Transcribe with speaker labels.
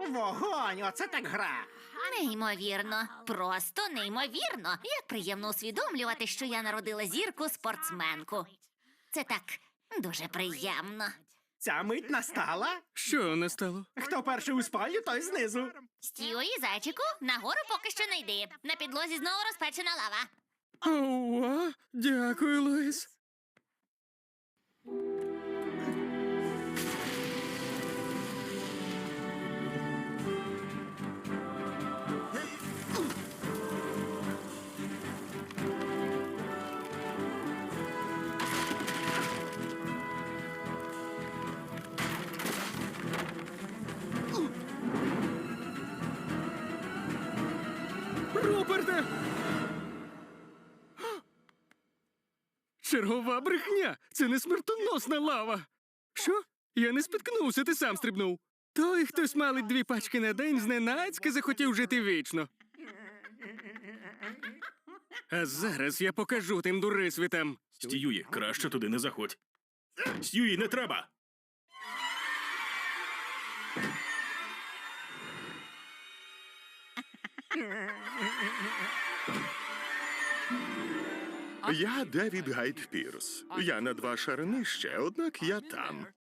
Speaker 1: Вогонь, оце так гра.
Speaker 2: Неймовірно, просто неймовірно. Як приємно усвідомлювати, що я народила зірку-спортсменку. Це так дуже приємно.
Speaker 1: Ця мить настала.
Speaker 3: Що не стало?
Speaker 1: Хто перший у спальню, той знизу.
Speaker 2: Стюї, зайчику, нагору поки що не йди. На підлозі знову розпечена лава.
Speaker 3: Ова, дякую, Лоїс. Руперте! Чергова брехня! Це не смертоносна лава! Що? Я не спіткнувся, ти сам стрибнув. Той, хто смалить 2 пачки на день, зненацька захотів жити вічно. А зараз я покажу тим дурисвітам.
Speaker 4: Стюї, краще туди не заходь. Стюї, не треба!
Speaker 5: Я Девід Гайд Пірс. Я на 2 шари нижче, однак я там.